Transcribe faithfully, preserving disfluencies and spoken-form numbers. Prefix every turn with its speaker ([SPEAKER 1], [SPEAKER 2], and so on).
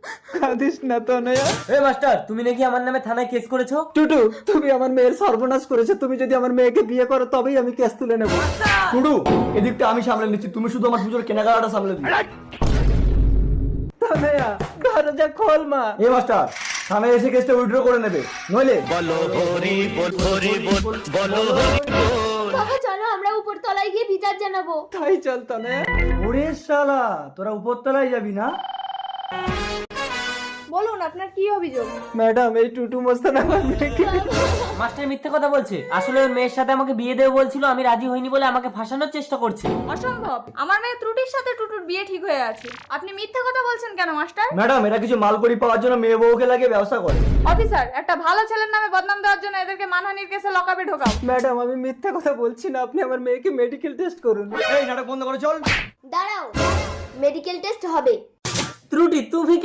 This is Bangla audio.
[SPEAKER 1] কাঁদিস না তনয়া।
[SPEAKER 2] এই মাস্টার, তুমি নাকি আমার নামে থানায় কেস করেছো?
[SPEAKER 1] টুটু, তুমি আমার মেয়ের সর্বনাশ করেছো। তুমি যদি আমার মেয়েকে বিয়ে করো তবেই আমি কেস তুলে নেবো।
[SPEAKER 3] টুডু, এদিকটা আমি সামলে নিচ্ছি, তুমি শুধু আমার পুজোর কেনাকাটা সামলে দিও।
[SPEAKER 1] তনয়া, দরজা খোল মা।
[SPEAKER 3] এই মাস্টার, থানায় এসে কেসটা উইথড্র করে নেবে, নইলে
[SPEAKER 4] বাবা চলো আমরা উপর তলায় গিয়ে বিচার জানাবো।
[SPEAKER 1] তাই চল তনয়া।
[SPEAKER 3] ওরে শালা, তোরা উপরতলায় যাবি না?
[SPEAKER 4] বলুন আপনার কি অভিযোগ?
[SPEAKER 1] ম্যাডাম, এই টুটু মস্তান আমার মেয়েকে।
[SPEAKER 2] মাস্টার মিথ্যে কথা বলছে। আসলে ওর মেয়ের সাথে আমাকে বিয়ে দেবে বলছিল, আমি রাজি হইনি বলে আমাকে ফাঁসানোর চেষ্টা করছে।
[SPEAKER 5] অসম্ভব, আমার মেয়ে ত্রুটির সাথে টুটুর বিয়ে ঠিক হয়ে আছে। আপনি মিথ্যা কথা বলছেন কেন মাস্টার?
[SPEAKER 3] ম্যাডাম, এরা কিছু মালকড়ি পাওয়ার জন্য মেয়ে বউকে লাগিয়ে ব্যবসা করে।
[SPEAKER 5] অফিসার, একটা ভালো ছেলের নামে বদনাম দেওয়ার জন্য এদেরকে মানহানির কেসে লকআপে ঢোকাও।
[SPEAKER 1] ম্যাডাম, আমি মিথ্যা কথা বলছি না, আপনি আমার মেয়েকে মেডিকেল টেস্ট করুন।
[SPEAKER 3] এই নাটক বন্ধ করে চল।
[SPEAKER 4] দাঁড়াও, মেডিকেল টেস্ট হবে।
[SPEAKER 2] ত্রুটি, তুমি